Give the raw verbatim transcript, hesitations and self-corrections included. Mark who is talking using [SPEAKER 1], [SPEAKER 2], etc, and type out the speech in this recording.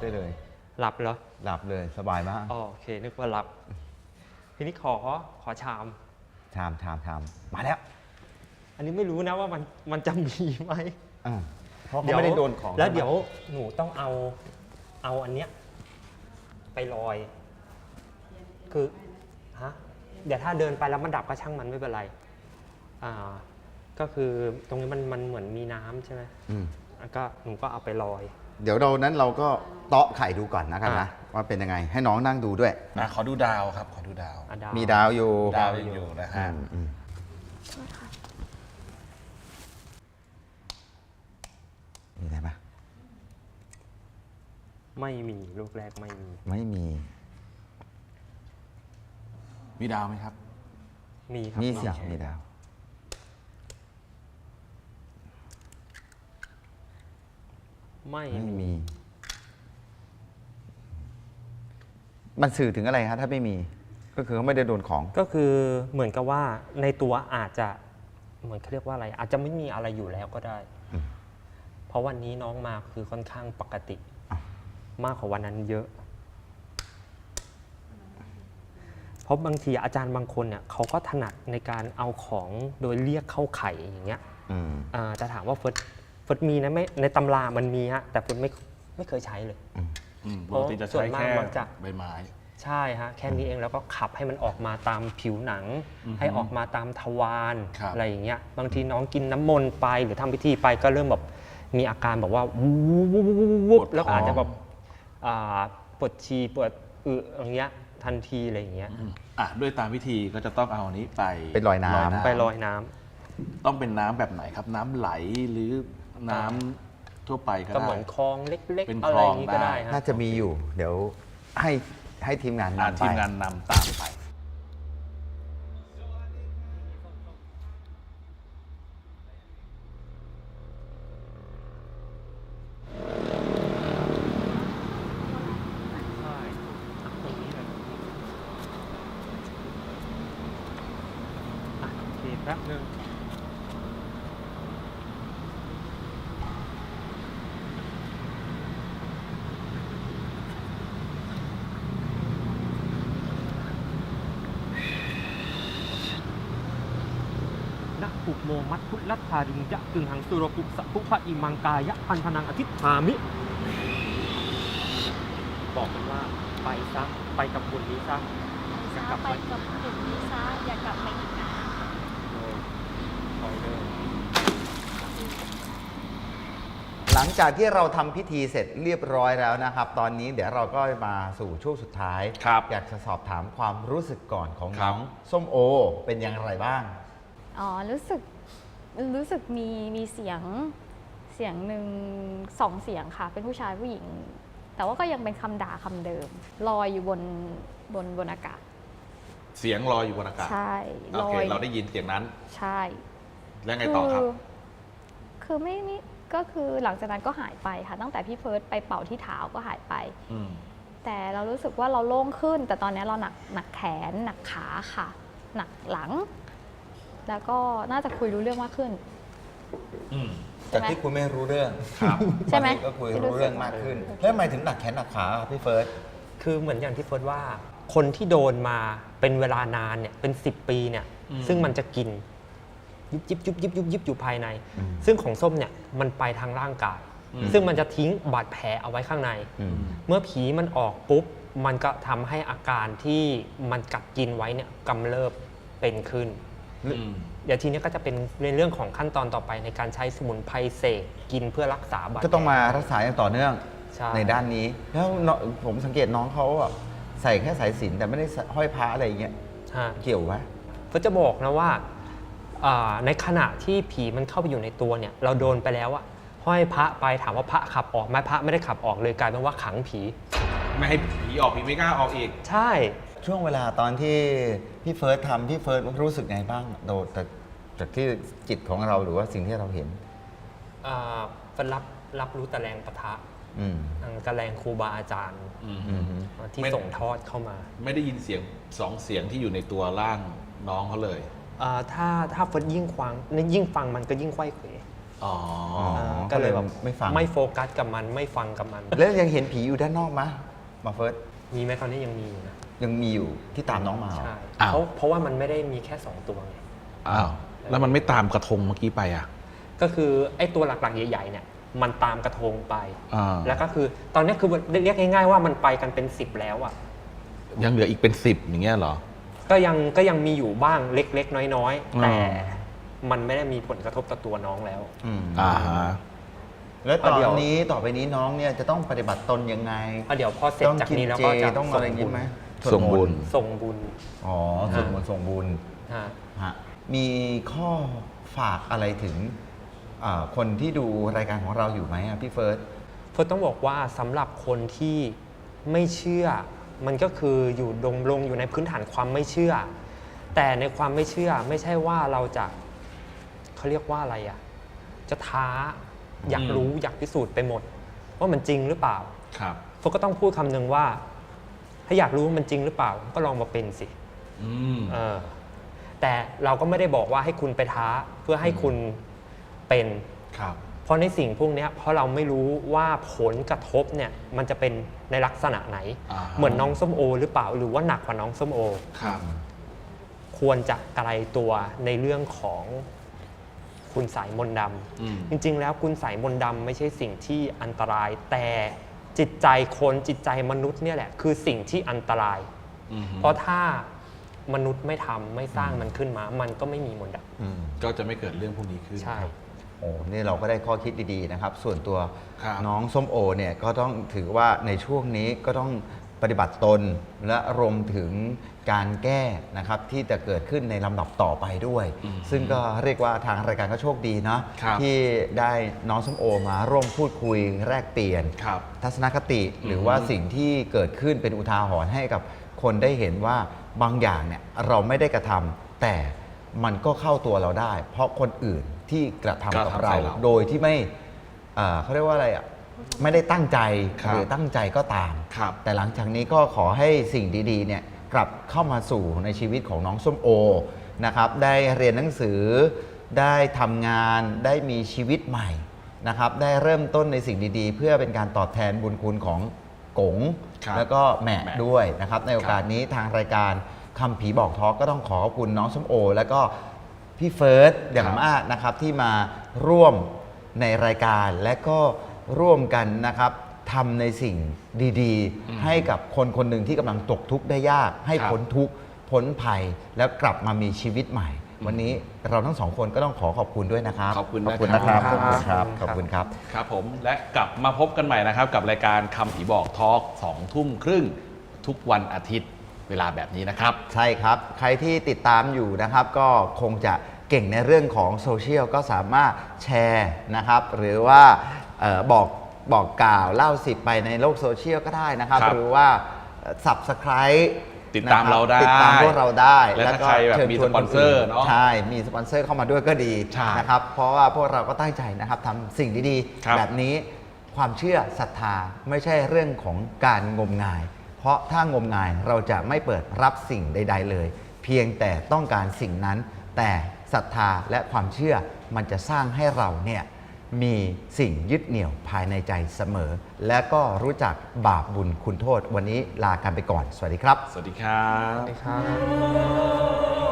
[SPEAKER 1] ได้เลย
[SPEAKER 2] หลับเหรอ
[SPEAKER 1] หลับเลยสบายมาก
[SPEAKER 2] อ๋อโอเคนึกว่าหลับทีนี้ขอขอชาม
[SPEAKER 1] ชามชามชามมาแล้ว
[SPEAKER 2] อันนี้ไม่รู้นะว่ามันมันจะมีไหม
[SPEAKER 1] อ่าเพราะเขาไม่ได้โดนของ
[SPEAKER 2] แล้วเดี๋ยวหนูต้องเอาเอาอันเนี้ยไปลอยคือฮะเดี๋ยวถ้าเดินไปแล้วมันดับก็ช่างมันไม่เป็นไรอ่าก็คือตรงนี้มันมันเหมือนมีน้ำใช่ไหม
[SPEAKER 1] อืม
[SPEAKER 2] ก็หนูก็เอาไปลอย
[SPEAKER 1] เดี๋ยวเรานั้นเราก็เตาะไข่ดูก่อนนะครับนะว่าเป็นยังไงให้น้องนั่งดูด้วย
[SPEAKER 3] นะขอดูดาวครับขอดูดาว
[SPEAKER 1] มีดาวอยู่
[SPEAKER 3] ดาวยังอยู่นะฮะ
[SPEAKER 1] มีอะไรไหม
[SPEAKER 2] ไม่มีลูกแรกไม่มี
[SPEAKER 1] ไม่มี
[SPEAKER 3] มีดาวไหมครับ
[SPEAKER 2] มีครับ
[SPEAKER 1] มีสิมีดาว
[SPEAKER 2] ไม่
[SPEAKER 1] ไม่มีมันสื่อถึงอะไรครับถ้าไม่มีก็คือเขาไม่ได้โดนของ
[SPEAKER 2] ก็คือเหมือนกับว่าในตัวอาจจะเหมือนเขาเรียกว่าอะไรอาจจะไม่มีอะไรอยู่แล้วก็ได้เพราะวันนี้น้องมาคือค่อนข้างปกติมากกว่าวันนั้นเยอะเพราะบางทีอาจารย์บางคนเนี่ยเขาก็ถนัดในการเอาของโดยเรียกเข้าไข่อย่างเงี้ยจะถามว่าเฟิร์สเฟิร์สมีนะไม่ในตำรามันมีฮะแต่เฟิร์สไม่ไม่เคยใช้เลย
[SPEAKER 3] ปกติจะใช้แค่ใบไม้
[SPEAKER 2] ใช่ฮะแค่นี้เองแล้วก็ขับให้มันออกมาตามผิวหนังให้ออกมาตามทวารอะไรอย่างเงี้ยบางทีน้องกินน้ำมนต์ไปหรือทำพิธีไปก็เริ่มแบบมีอาการแบบว่าวูบวูบวูบแล้วอาจจะแบบปวดฉี่ปวดอึอย่างเงี้ยทันทีอะไรอย่างเงี้ย
[SPEAKER 3] อ่ะด้วยตามวิธีก็จะต้องเอาอันนี้ไป
[SPEAKER 1] ไปลอยน้ำ
[SPEAKER 2] ไปลอยน้ำ
[SPEAKER 3] ต้องเป็นน้ำแบบไหนครับน้ำไหลหรือน้ำทั่วไปก็ได้
[SPEAKER 2] ก็เหมือนคลองเล็กๆอะไรอย่างนี้ก็ได้
[SPEAKER 1] น่าจะมีอยู่เดี๋ยวให้ให้ทีมงานนำไป
[SPEAKER 3] ทีมงานนำตามไป
[SPEAKER 2] แป๊บนึงนะปุโมมัตพุลัทธาริงยะกึ่งหังสุรปุสะพุพะอิมังกายะพันธนังอธิษฐามิบอกกันว่าไปซะไปกับบุญนี้ซะ
[SPEAKER 4] จะกลับไปกับบุญนี้ซะอย่ากลับมาอีกนะ
[SPEAKER 1] หลังจากที่เราทำพิธีเสร็จเรียบร้อยแล้วนะครับตอนนี้เดี๋ยวเราก็มาสู่ช่วงสุดท้ายอยากจะสอบถามความรู้สึกก่อนของน้องส้มโอเป็นอย่างไรบ้าง
[SPEAKER 4] อ๋อรู้สึกรู้สึกมีมีเสียงเสียงหนึ่งสองเสียงค่ะเป็นผู้ชายผู้หญิงแต่ว่าก็ยังเป็นคำด่าคำเดิมลอยอยู่บนบนบนอากาศ
[SPEAKER 3] เสียงลอยอยู่บนอากาศ
[SPEAKER 4] ใช่
[SPEAKER 3] โอเคเราได้ยินเสียงนั้น
[SPEAKER 4] ใช่
[SPEAKER 3] แล้วไงต่อครับ
[SPEAKER 4] คือไม่ไม่ก็คือหลังจากนั้นก็หายไปค่ะตั้งแต่พี่เฟิร์สไปเป่าที่เท้าก็หายไปแต่เรารู้สึกว่าเราโล่งขึ้นแต่ตอนนี้เราหนักหนักแขนหนักขาค่ะหนักหลังแล้วก็น่าจะคุยรู้เรื่องมากขึ้น
[SPEAKER 1] จากที่คุยไม่รู้เรื่อง
[SPEAKER 4] ใช่ไหม
[SPEAKER 1] ก็คุยรู้เรื่องมากขึ้นแล้วทำไมถึงหนักแขนหนักขาพี่เฟิร์ส
[SPEAKER 2] คือเหมือนอย่างที่เฟิร์สว่าคนที่โดนมาเป็นเวลานานเนี่ยเป็นสิบปีเนี่ยซึ่งมันจะกินยุบยิบยุบยิบยุบยิบอยู่ภายในซึ่งของส้มเนี่ยมันไปทางร่างกายซึ่งมันจะทิ้งบาดแผลเอาไว้ข้างในเมื่อผีมันออกปุ๊บมันก็ทำให้อาการที่มันกัดกินไว้เนี่ยกำเริบเป็นขึ้นเดี๋ยวทีนี้ก็จะเป็นในเรื่องของขั้นตอนต่อไปในการใช้สมุนไพรเสกกินเพื่อรักษาบาดแผล
[SPEAKER 1] ก็ต้องมารักษาอย่างต่อเนื่องในด้านนี้แล้วผมสังเกตน้องเขาใส่แค่สายสิญจน์แต่ไม่ได้ห้อยพระอะไรอย่างเงี้ยเกี่ยวไหม
[SPEAKER 2] ก็จะบอกนะว่าในขณะที่ผีมันเข้าไปอยู่ในตัวเนี่ยเราโดนไปแล้วอะห้อยพระไปถามว่าพระขับออกไหมพระไม่ได้ขับออกเลยกลายเป็นว่าขังผี
[SPEAKER 3] ไม่ให้ผีออกผีไม่กล้าออกอีก
[SPEAKER 2] ใช่
[SPEAKER 1] ช่วงเวลาตอนที่พี่เฟิร์สทำพี่เฟิร์สรู้สึกไงบ้างโดยแต่จากที่จิตของเราหรือว่าสิ่งที่เราเห็น
[SPEAKER 2] เฟิร์สรับรับรู้แต่แรงปะทะแต่แรงครูบาอาจารย์ที่ส่งทอดเข้ามา
[SPEAKER 3] ไม่ได้ยินเสียงสองเสียงที่อยู่ในตัวร่างน้องเขาเลย
[SPEAKER 2] ถ้าถ้าเฟิร์สยิ่งฟังยิ่งฟังมันก็ยิ่งไขว้เขว
[SPEAKER 3] อ๋อ
[SPEAKER 2] ก็เลยแบบ
[SPEAKER 1] ไม่ฟัง
[SPEAKER 2] ไม่โฟกัสกับมันไม่ฟังกับมัน
[SPEAKER 1] แล้วยังเห็นผีอยู่ด้านนอกไหมมาเฟิร์ส
[SPEAKER 2] มีไหมตอนนี้ยังมีอยู่นะ
[SPEAKER 1] ยังมีอยู่ที่ตามน้องมาเหรอ
[SPEAKER 2] ใช่
[SPEAKER 3] อ้าว
[SPEAKER 2] เพราะเพราะว่ามันไม่ได้มีแค่สองตัวไง
[SPEAKER 3] อ้าวแล้วมันไม่ตามกระทงเมื่อกี้ไปอ่ะ
[SPEAKER 2] ก็คือไอ้ตัวหลักๆใหญ่ๆเนี่ยมันตามกระทงไป
[SPEAKER 3] อ่า
[SPEAKER 2] แล้วก็คือตอนนี้คือเรียกง่ายๆว่ามันไปกันเป็นสิบแล้วอ่ะ
[SPEAKER 3] ยังเหลืออีกเป็นสิบอย่างเงี้ยเหรอ
[SPEAKER 2] ก็ยังก็ยังมีอยู่บ้างเล็กๆ น้อยๆ
[SPEAKER 3] อ่า
[SPEAKER 2] แต่มันไม่ได้มีผลกระทบต่อตัวน้องแล้ว
[SPEAKER 1] อืม
[SPEAKER 3] อ่าฮะ
[SPEAKER 1] แล้วตอ
[SPEAKER 2] เดี๋
[SPEAKER 1] น
[SPEAKER 2] ยว
[SPEAKER 1] นี้ต่อไปนี้น้องเนี่ยจะต้องปฏิบัติตนยังไง
[SPEAKER 2] อ่ะเดี๋ยวพอเสร็จ
[SPEAKER 1] ต้อง
[SPEAKER 2] จาก
[SPEAKER 1] กิน
[SPEAKER 2] นี้แล้ว
[SPEAKER 1] เจ
[SPEAKER 2] ก็จะ
[SPEAKER 1] ต้องอะไรอย่างงี้ไหม
[SPEAKER 3] ส่งบุญ
[SPEAKER 2] ส่งบุญ
[SPEAKER 1] อ๋อสวดมนต์ส่งบุญ
[SPEAKER 2] ฮะ
[SPEAKER 1] ฮะมีข้อฝากอะไรถึงอ่าคนที่ดูรายการของเราอยู่ไหมอะพี่เฟิร์ส
[SPEAKER 2] เฟิร์สต้องบอกว่าสำหรับคนที่ไม่เชื่อ มันก็คืออยู่ดงลงอยู่ในพื้นฐานความไม่เชื่อ แต่ในความไม่เชื่อไม่ใช่ว่าเราจะเขาเรียกว่าอะไรอ่ะจะท้าอยากรู้อยากพิสูจน์ไปหมด ว่ามันจริงหรือเปล่า
[SPEAKER 3] ครับ
[SPEAKER 2] เฟิร์สก็ต้องพูดคำหนึ่งว่า ถ้าอยากรู้ว่ามันจริงหรือเปล่า ก็ลองมาเป็นสิ
[SPEAKER 3] อืม
[SPEAKER 2] เออแต่เราก็ไม่ได้บอกว่าให้คุณไปท้าเพื่อให้คุณเป็น
[SPEAKER 3] ครับ
[SPEAKER 2] เพราะในสิ่งพวกเนี้ยเพราะเราไม่รู้ว่าผลกระทบเนี่ยมันจะเป็นในลักษณะไหน
[SPEAKER 3] อ่า
[SPEAKER 2] เหมือนน้องส้มโอ หรือเปล่าหรือว่าหนักกว่าน้องส้มโอ
[SPEAKER 3] ครับ
[SPEAKER 2] ควรจะไกลตัวในเรื่องของคุณสายมนต์ด
[SPEAKER 3] อืม
[SPEAKER 2] ำจริงๆ แล้วคุณสายมนต์ดำไม่ใช่สิ่งที่อันตราย แต่จิตใจคนจิตใจมนุษย์เนี่ยแหละคือสิ่งที่อันตราย
[SPEAKER 3] อืม
[SPEAKER 2] เพราะถ้ามนุษย์ไม่ทำไม่สร้างมันขึ้นมา มันก็ไม่มีมนต์ด
[SPEAKER 1] อืม
[SPEAKER 3] ก็จะไม่เกิดเรื่องพวกนี้ขึ้น
[SPEAKER 2] ำใช่
[SPEAKER 1] โอ้นี่เราก็ได้ข้อคิดดีๆนะครับ ส่วนตัว
[SPEAKER 3] ครับ
[SPEAKER 1] น้องส้มโอเนี่ยก็ต้องถือว่าในช่วงนี้ก็ต้องปฏิบัติตน และรวมถึงการแก้นะครับที่จะเกิดขึ้นในลำดับต่อไปด้วย
[SPEAKER 3] อืม
[SPEAKER 1] ซึ่งก็เรียกว่าทางรายการก็โชคดีนะครับ ที่ได้น้องส้มโอมาร่วมพูดคุยแลกเปลี่ยน
[SPEAKER 3] ครับ
[SPEAKER 1] ทัศนคติหรือว่าสิ่งที่เกิดขึ้นเป็นอุทาหรณ์ให้กับคนได้เห็นว่าบางอย่างเนี่ยเราไม่ได้กระทำแต่มันก็เข้าตัวเราได้ เพราะคนอื่นที่กระทำกับ
[SPEAKER 3] กระทำ
[SPEAKER 1] เรา
[SPEAKER 3] ใส่เรา
[SPEAKER 1] โดยที่ไม่เอ่อเขาเรียกว่าอะไรอ่ะไม่ได้ตั้งใจ
[SPEAKER 3] ครับ
[SPEAKER 1] หรือตั้งใจก็ตาม
[SPEAKER 3] ครับ
[SPEAKER 1] แต่หลังจากนี้ก็ขอให้สิ่งดีๆเนี่ยกลับเข้ามาสู่ในชีวิตของน้องส้มโอนะครับได้เรียนหนังสือได้ทำงานได้มีชีวิตใหม่นะครับได้เริ่มต้นในสิ่งดีๆ เพื่อเป็นการตอบแทนบุญคุณของกง
[SPEAKER 3] ครับ
[SPEAKER 1] แล้วก็แหม่
[SPEAKER 3] แหม่
[SPEAKER 1] ด้วยนะครับในโอกาสนี้ทางรายการคำผีบอกทอล์กก็ต้องขอขอบคุณน้องส้มโอ แล้วก็พี่เฟิร์สอย่างมากนะครับที่มาร่วมในรายการและก็ร่วมกันนะครับทำในสิ่งดี
[SPEAKER 3] อืม
[SPEAKER 1] ๆ ให้กับคนคนหนึ่งที่กำลังตกทุกข์ได้ยาก ให้
[SPEAKER 3] ครับ
[SPEAKER 1] พ้นทุกข์พ้นภัยแล้วกลับมามีชีวิตใหม่ วันนี้เราทั้งสองคนก็ต้องขอขอบคุณด้วยนะครับ
[SPEAKER 3] ขอบคุณ
[SPEAKER 1] ขอบคุณนะครับ
[SPEAKER 3] นะ
[SPEAKER 1] ข
[SPEAKER 3] ค
[SPEAKER 1] อ
[SPEAKER 3] รั
[SPEAKER 1] บบ คุณครับขอบคุณครับ
[SPEAKER 3] ครับผมและกลับมาพบกันใหม่นะครับ กับรายการคำผีบอกทอล์กสองทุ่มครึ่งทุกวันอาทิตย์เวลาแบบนี้นะครับ
[SPEAKER 1] ใช่ครับ ใครที่ติดตามอยู่นะครับ ก็คงจะเก่งในเรื่องของโซเชียลก็สามารถแชร์นะครับ หรือว่าเออบอกบอกกล่าวเล่าสิบไปในโลกโซเชียลก็ได้นะครับ
[SPEAKER 3] ครับ
[SPEAKER 1] หรือว่า Subscribe
[SPEAKER 3] ติดตามเราได้
[SPEAKER 1] ติดตามพวกเราได้
[SPEAKER 3] และถ้าใครแบบมี
[SPEAKER 1] ชิญชวน
[SPEAKER 3] สปอนเซอร์
[SPEAKER 1] ค
[SPEAKER 3] เนอะ
[SPEAKER 1] ใช่มีสปอนเซอร์เข้ามาด้วยก็ดี
[SPEAKER 3] ใช่
[SPEAKER 1] นะครับ เพราะว่าพวกเราก็ตั้งใจนะครับทำสิ่งดี
[SPEAKER 3] ครับ
[SPEAKER 1] ๆ แบบนี้ความเชื่อศรัทธาไม่ใช่เรื่องของการงมงาย เพราะถ้างมงายเราจะไม่เปิดรับสิ่งใด ๆ เลย เพียงแต่ต้องการสิ่งนั้น แต่ศรัทธาและความเชื่อมันจะสร้างให้เราเนี่ยมีสิ่งยึดเหนี่ยวภายในใจเสมอ และก็รู้จักบาปบุญคุณโทษ วันนี้ลากันไปก่อน สวัสดีครับ
[SPEAKER 3] สวัสดีครับ
[SPEAKER 2] ครับ